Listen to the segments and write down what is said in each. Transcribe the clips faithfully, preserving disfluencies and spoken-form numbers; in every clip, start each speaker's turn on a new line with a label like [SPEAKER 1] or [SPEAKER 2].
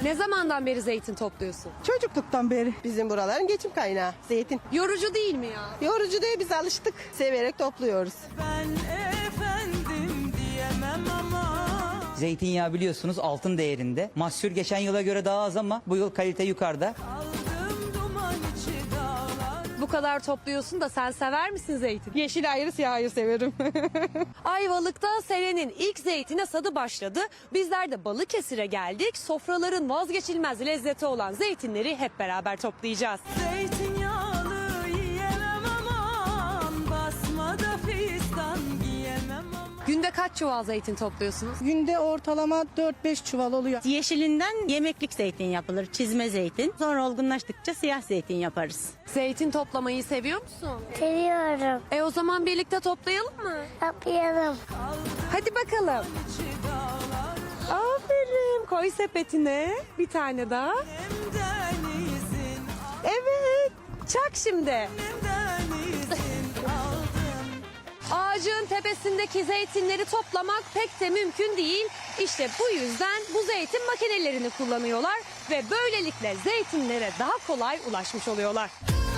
[SPEAKER 1] Ne zamandan beri zeytin topluyorsun?
[SPEAKER 2] Çocukluktan beri.
[SPEAKER 3] Bizim buraların geçim kaynağı zeytin.
[SPEAKER 1] Yorucu değil mi ya?
[SPEAKER 3] Yorucu değil, biz alıştık. Severek topluyoruz.
[SPEAKER 4] Ben efendim diyemem ama.
[SPEAKER 5] Zeytinyağı biliyorsunuz altın değerinde. Mahsul geçen yıla göre daha az ama bu yıl kalite yukarıda.
[SPEAKER 4] Aldım duman içi dağlar.
[SPEAKER 1] Bu kadar topluyorsun da sen sever misin zeytin?
[SPEAKER 2] Yeşil ayrı siyah ayrı severim.
[SPEAKER 1] Ayvalık'ta senenin ilk zeytin hasadı başladı. Bizler de Balıkesir'e geldik. Sofraların vazgeçilmez lezzeti olan zeytinleri hep beraber toplayacağız.
[SPEAKER 4] Zeytinyağlı yiyemem aman. Basmada fistan giyemem aman.
[SPEAKER 1] Günde kaç çuval zeytin topluyorsunuz?
[SPEAKER 2] Günde ortalama dört beş çuval oluyor.
[SPEAKER 6] Yeşilinden yemeklik zeytin yapılır, çizme zeytin. Sonra olgunlaştıkça siyah zeytin yaparız.
[SPEAKER 1] Zeytin toplamayı seviyor musun?
[SPEAKER 7] Seviyorum.
[SPEAKER 1] E o zaman birlikte toplayalım mı?
[SPEAKER 7] Yapayalım.
[SPEAKER 1] Hadi bakalım.
[SPEAKER 4] İçi dağlar.
[SPEAKER 1] Aferin. Koy sepetine bir tane daha.
[SPEAKER 4] Hem denizin.
[SPEAKER 1] Evet. Çak şimdi.
[SPEAKER 4] Hem denizin aldım.
[SPEAKER 1] Ağacın tepesindeki zeytinleri toplamak pek de mümkün değil. İşte bu yüzden bu zeytin makinelerini kullanıyorlar ve böylelikle zeytinlere daha kolay ulaşmış oluyorlar.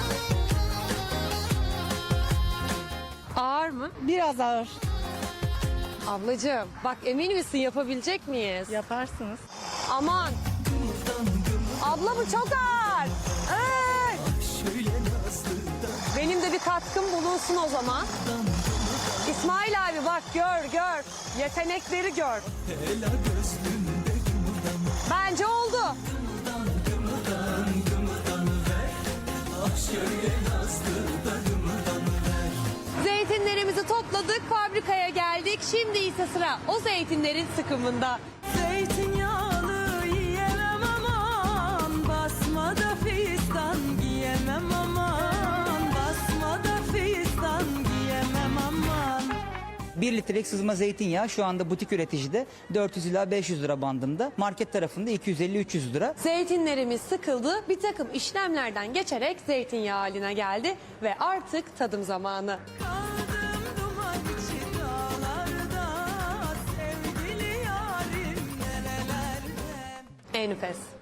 [SPEAKER 1] Ağır mı?
[SPEAKER 2] Biraz ağır.
[SPEAKER 1] Ablacığım bak emin misin yapabilecek miyiz?
[SPEAKER 2] Yaparsınız.
[SPEAKER 1] Aman. Abla bu çok ağır. Ay. Benim de bir katkım bulunsun o zaman. İsmail abi bak gör gör. Yetenekleri gör. Bence oldu. Zeytinlerimizi topladık, fabrikaya geldik. Şimdi ise sıra o zeytinlerin sıkımında.
[SPEAKER 4] Zeytinyağlı yiyemem aman. Basmada fistan giyemem aman. Basmada fistan giyemem aman.
[SPEAKER 5] bir litrelik sızma zeytinyağı şu anda butik üreticide dört yüz ila beş yüz lira bandında. Market tarafında iki yüz elli üç yüz lira.
[SPEAKER 1] Zeytinlerimiz sıkıldı, bir takım işlemlerden geçerek zeytinyağı haline geldi ve artık tadım zamanı.
[SPEAKER 4] Kaldım duman içi dağlarda. Sevgili yarim nerelerde.
[SPEAKER 1] Enfes.